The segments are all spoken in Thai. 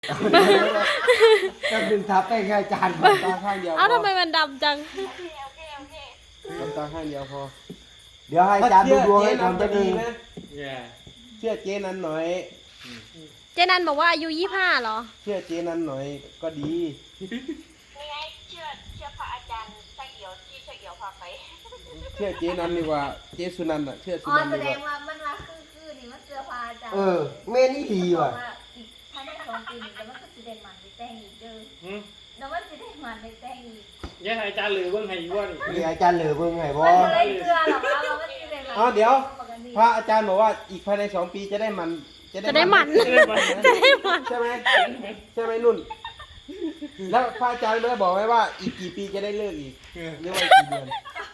ก็ดึงทับไปแค่จานตาข้างเดียวเอ้าทำไมมันดำจังตาข้างเดียวพอเดี๋ยวให้จานดูดวงให้ทำจะดีนะเชื่อเจ๊นั้นหน่อยเจนันบอกว่าอายุ25เหรอเชื่อเจ๊นั้นหน่อยก็ดีนี่ไงเชื่อพระอาจารย์ช่างเอี่ยวที่ช่างเอี่ยวพาไปเชื่อเจ๊นั้นดีกว่าเจ๊สุนันท์อ่ะเชื่อสุอ๋อนันท์แสดีดกว่างว่ามันว่าคือนี่มันเสื้อผ้าจ้ะแม่นี่ดีว่ะอีกภายใน2 ปีนี่แต่มันก็สิได้มันได้แต่งอีกเด้อแล้วมันสิได้มันได้แต่งอีกยังไงอาจารย์หรือเบิ่งให้อีกว่านี่เดี๋ยวอาจารย์เหลือเบิ่งให้บ่มันบ่ได้เสื้อหรอกว่ามันสิได้มันอ๋อเดี๋ยวพระอาจารย์บอกว่าอีกภายใน2 ปีจะได้มันจะได้มัน จะได้มันใช่ไหมใช่ไหมนุ่น แล้วพระอาจารย์ได้บอกไว้ว่าอีกกี่ปีจะได้เลิกอีกเรียกว่ากี่เดือน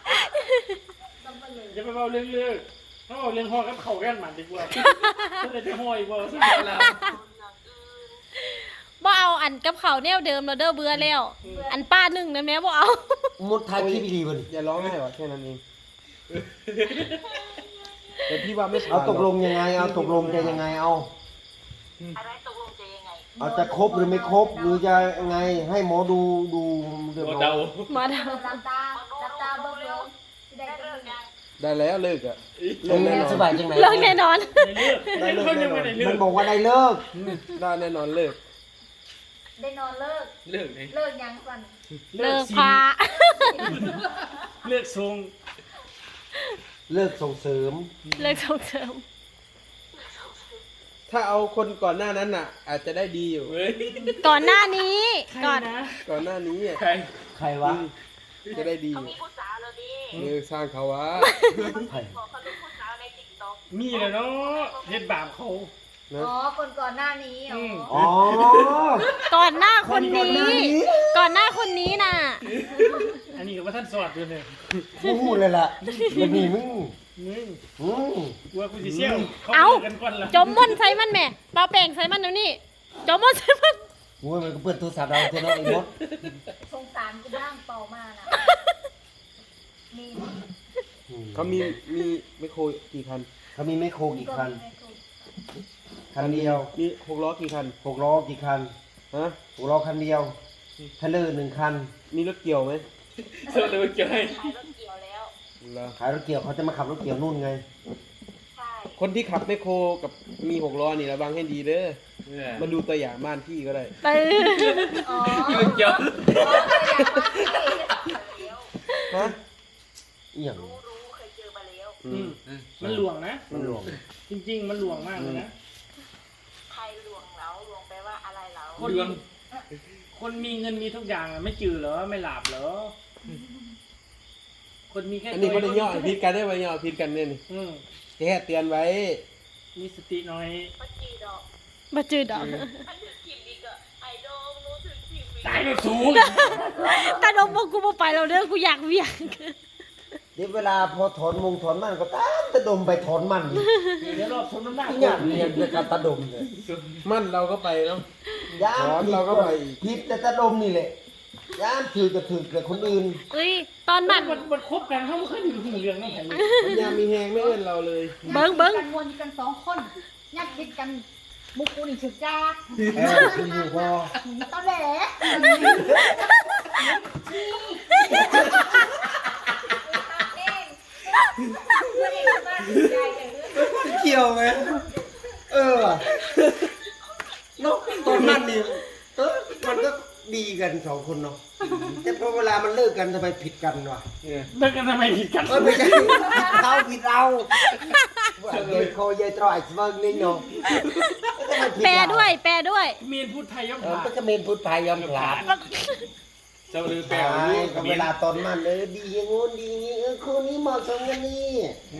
จะไปเบาเรื่องเลือกถ้าเบาเรื่องห่อกับเข่ากันหมันดีกว่าถ้าจะห่ออีกบ่สักแล้วบ่เอาอันกับเขาวแนวเดิมเราเด้อเบื่อแล้ว อันป้าหนึ่งนะแม่บ่เอามุดทายคลิปดีบ่นี่อย่าร้องไห้หรอแค่นั้นเองแต่พี่ว่าไม่ผ่นหรเอาตกลงยังไงเอาตกลงจะยังไงเอาอะไรตกลงจะยังไงเอาจะครบหรือไม่ครบหรือจะยังไงให้หมอดูเรียบร้อยเดามาเดารับตาเบิ่งสิได้ได้เลิเลิกกยังได้แล้วเลิกอ่ะเลิกแน่นอนสบายจังไหนเลิกแน่นอนได้เลือกได้เลือกยังไม่ได้เลืมัอน กบอกว่าได้เลิกได้แน่นอนเลิกได้นอนเลิกเลือกไหนเลิกยังสั่นเลิกพาเลือกทรงเลิกส่งเสริมเลิกส่งเสริมถ้าเอาคนก่อนหน้านั้นน่ะ อาจจะได้ดีอยู่เฮ้ยก่อนหน้านี้ ก่อนก่อนหน้านี้อ่ะใครใครวะจะได้ดีอเขายู่มีผู้สาวแล้วดิสร้างเขาวะใครบอกเขาลูกผู้สาวในติ๊กต็อกมีแล้วเนาะเฮ็ดบาปเขานะอ๋อคนก่อนหน้านี้อ๋ออ๋อก่อนหน้าคนนี้ ก่อนหน้าคนนี้น่ะอันนี้ก็ว่าท่านสอดอยู่เนี่ยกูพูดเลยล่ะมันมีมึงมึงอืมกลัวกูสิเซี่ยวเขาเอ้าเลิกกันก่อนละจมม่อนใส่มันแม่เปล่าแป้งใส่มันเดี๋ยวนี้จมม่อนใส่มันโอ้ยมันก็เปิดโทรศัพท์เราเจ้าน้องไอ้มดสงสารกูบ้างเป่ามานะมีเขามีไมโครกี่คันเขามีไมโครกี่คันไม่ถูกคันเดียวมี6 ล้อกี่คัน 6 ล้อกี่คันฮะ 6 ล้อคันเดียวเทเลอร์1 คันมีรถเกี่ยวไหมเสื้อเลยเจอให้ขายรถเกี่ยวแล้วเหรอขายรถเกี่ยวเขาจะมาขับรถเกี่ยวนู่นไงใช่คนที่ขับไมโครกับมี6 ล้อนี่ระวังให้ดีเด้อมาดูตัวอย่างบ้านพี่ก็ได้ตื้ออ๋อเกี่ยวฮะอีหยังรู้เคยเจอมาแล้วอืมมันหลวงนะมันหลวงจริงๆ มันหลวงมากเลยนะใครลวงเราลวงแปลว่าอะไรเราคนมีเงินมีทุกอย่างอะไม่จืดเหรอไม่หลับเหรอคนมีแค่อันนี้เขาได้ย่อพิดกันได้ไหมย่อพิดกันเนี่ยนี่อืมแค่เตือนไว้มีสติหน่อยปัจจีดอกมาจืดดอกมันถึงทีมนี้ก็ไอดอลรู้ถึงทีมนี้ตายแล้วสูงตาดมบอกกูบ่ไปแล้วเด้อกูอยากเวียงเดี๋ยวเวลาพอถอนมงถอนมันก็ตามตะดมไปถอนมันอีกเดี๋ยวรอบสมน้ำหนักอีหยังเนี่ยเป็นการตะดมเลยมั่นเราก็ไปเนาะยามถอนเราก็ไปอีกผิดแต่ตะดมนี่แหละยามถือก็ถือแต่คนอื่นเอ้ยตอนมันมันคบกันเขาไม่เคยอยู่หูเรื่องนั่นแหละมันยามมีแหงไม่เอื้อนเราเลยเบิ้งเบิ้งกันวนกัน2 คนยัดคิดกันบุกกูนี่ถึกจ้าคืออยู่พอตอนแหลเกี่ยวไหมว่ะเนาะตอนนั้นนี่มันก็ดีกัน2 คนเนาะแต่พอเวลามันเลิกกันทำไมผิดกันวะเลิกกันทำไมผิดกันไม่ใช่เขาผิดเราเยยโคเยยตรอยเมืองนี่เนาะแปลด้วยแปลด้วยเมียนพูดไทยย่อมเออผ่ามันก็เมนพูดพายยอมพลาดเจ้าลือแปลใช่ว่าก็เวลาตอนมันดีอย่างงู้นดีอย่างนี้คู่นี้เหมาะสมกันนี่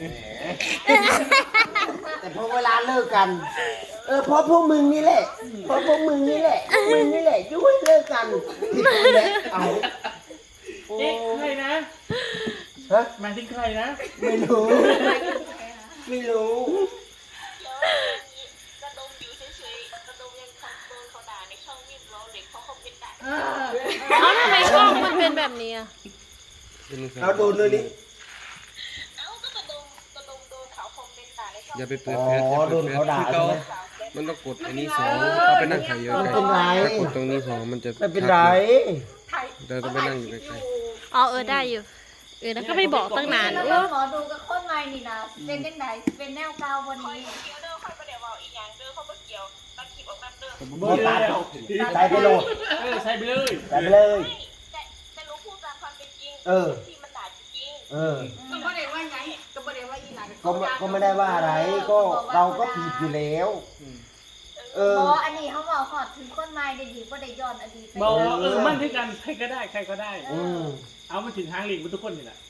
แต่พอเวลาเลิกกันเพราะพวกมึงนี่แหละเพราะพวกมึงนี่แหละมึงนี่แหละยุ่ยเลิกกันผิดกูแหละเอาโอ้เอ๊ะใครนะฮะหมายถึงใครนะไม่รู้ไม่รู้กระดมอยู่เฉยๆกระดมยังทำโดนเขาด่าในช่องมิมเราเด็กเขาคอมเมนต์ด่าเอาทำไมกล้องมันเป็นแบบนี้อะเอาโดนเลยนี่เอ้าก็กระดมโดนเขาคอมเมนต์ด่าในช่องอย่าไปเปิดอ๋อเฟซโดนเขาด่าใช่ไหมสาวแกมันต้องกดอันนี้สองเราไปนั่งถ่ายอยู่ไม่ไกลเป็นไรถ้ากดตรงนี้สองมันจะไม่เป็นไรเราต้องไปนั่งอยู่ไกลอ๋อได้อยู่แล้วก็ไม่บอกตั้งนานแล้วโอ้หมอดูกับคนใหม่นี่นะเป็นยังไงเป็นแนวเก่าวันคอยนี้เกี่ยวเด้อคอยประเดี๋ยวบอกอีกอย่างเด้อเขาไม่เกี่ยวตัดคลิปออกมาเด้อโบตัดใส่ไปโหลดใส่ไปเลยใส่ไปเลยแต่รู้พูดตามความเป็นจริงเออที่มันด่าจริงเออก็ไม่ได้ว่าไงก็ไม่ได้ว่าอีหลังก็ไม่ได้ว่าอะไร ก็เราก็ผิดอยู่แล้ว เออหมออันนี้เขาบอกหอดถึงคนใหม่ได้ดีว่าได้ย้อนอดีตไปบอกมั่นที่กันใครก็ได้ใครก็ได้อืมเอามาถึงทางหลีกมันทุกคนนี่แหละ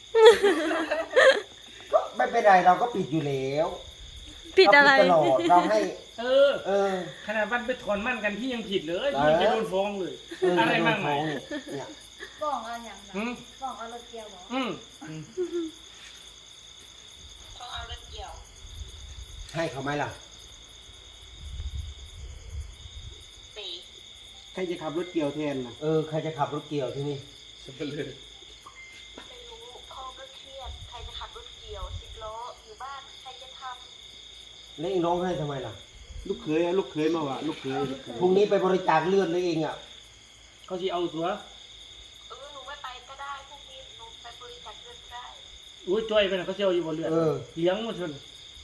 ก็ไม่เป็นไรเราก็ผิดอยู่แล้วผิดอะไรเาตลอดเราให้เออเออขนาดวันไปถอนมั่นกันพี่ยังผิดเลยพี่ยังจะโดนฟ้องเลย อะไรมากมายเนี่ยฟ้องเอาอย่างนั้นอืมฟ้องเอารถเกียวบอกอืมๆเขาเอาเรื่องเกี่ยวให้เขาไหมล่ะตีๆใครจะขับรถเกี่ยวแทนนะเออใครจะขับรถเกี่ยวที่นี่ไม่รู้พ่อก็เครียดใครจะขับรถเกี่ยว10 ล้ออยู่บ้านใครจะทแล้วเองร้องให้ทำไมล่ะลูกเขยลูกเขยมาว่ะลูกเขยพรุ่งนี้ไปบริจาคเลือดเลยเองอ่ะเขาจะเอาตัวหนูไม่ไปก็ได้พรุ่งนี้หนูไปบริจาคเลือดก็ได้อุ้ยจ้อยไปนะเขาจะเอาอยู่บนเรือเออเลี้ยงมาชน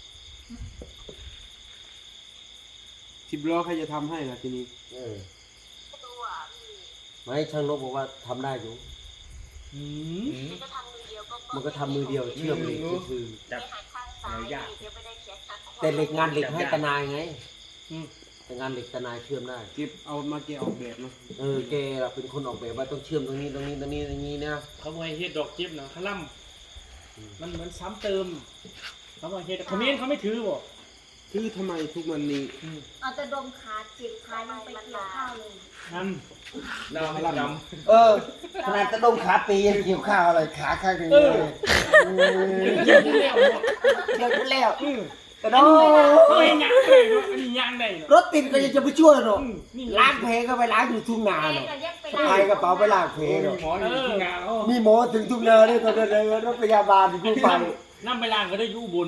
10 ล้อใครจะทำให้ล่ะทีนี้เออไม่รู้อ่ะพี่ไม่ช่างนกบอกว่าทำได้อยู่อืมมันก็ทำมือเดียวก็มันก็ทำมือเดียวเชื่อมเหล็กคือไม่หันข้างซ้ายเดี๋ยวไม่ได้เขียนข้างขวาแต่เหล็กงานเหล็กให้ตะนายไงอืมแต่งานเหล็กตะนายเชื่อมได้เก็บเอามาเก็บออกแบบเนาะเออแกล่ะเป็นคนออกแบบว่าต้องเชื่อมตรงนี้ตรงนี้ตรงนี้ตรงนี้นะเขาบอกให้เฮ็ดดอกเจ็บนะขลั่มมันเหมือนซ้ำเติมเขาบอกให้เฮ็ดเขาไม่ถือบ่คือทำไมทุกวันนี้อืมเอาแต่ดมขาจิบขายังไปเกี่ยวข้าวเลยนั่นเราให้ดเออขนาดตะดมขาปียังเกี่ยวข้าวอะไรขาข้างหนึงเลยเกี่ยวที่แล้วบ่เกี่ยวกันแล้วอืมแต่โน้เขาเห็นยังได้เนาะอันนี้ยังได้เนาะรถติดก็ยังจะไปช่วยหรอกอืมนี่ล้างเพลก็ไปล้างอยู่ทุ่งนาแม่เนาะก็ยังไปพายกระเป๋าไปล้างเพลเนาะหมออยู่ที่งานเขามีหมอถึงทุ่งนาด้วยก็เลยรถพยาบาลกู้ภัยน้ำไปล้างก็ได้อยู่บน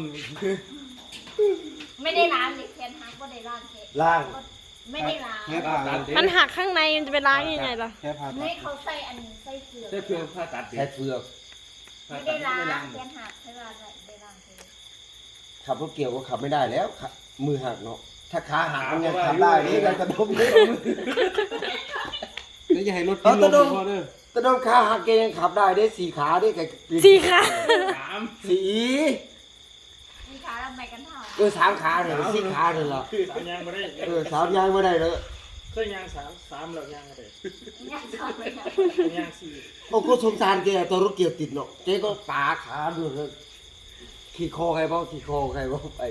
ไม่ได้ล้างเลยแคนฮักก็ได้ล้างเทล้างไม่ได้ล้างแค่ผ่าตัดมันหักข้างในมันจะไปล้างยังไงล่ะแค่ผ่าตัไม่ดเขาใส่อันใส่เสือแค่เพียงผ่าตัดใช้เฟือกไม่ได้ล้างแคนฮักใช่ว่าได้ล้างเทขับรถเกี่ยวก็ขับไม่ได้แล้วขับมือหักเนาะถ้าขาหักมันยังขับได้นี่เราจะดมนี่แล้วอย่าให้รถกินลมพอเด้อตะดมขาหักแกยังขับได้ได้สี่ขาได้แกสีค่ะสามสี่มีขาทำไมกันเท่าสามขาเลยสี่ขาเลยเหรอสามยางมาได้สามยางไม่ได้เลยเคยยางสามแล้วยางอะไรเนี่ยชอบเลยนะยางสี่โอ้ก็สงสารแกตอนรถเกี่ยวติดเนาะแกก็ปาขาดูเลยขี่คอใครบ้างขี่คอใครบ้างไป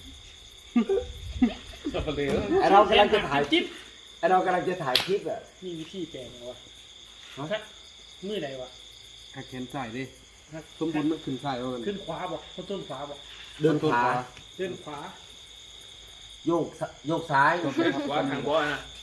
สับปะเลอไอเรากำลังจะถ่ายจิ๊บไอเรากำลังจะถ่ายคลิปอะมีวิธีแก้ไหมวะฮะมือไหนวะหักแขนใส่ดิสมบูรณ์มันขึ้นใส่ว่ามันขึ้นขวาบอกเขาต้นขวาบอกเดินขาเดินขวาโยกซ้ายว่าทางบ่อนะ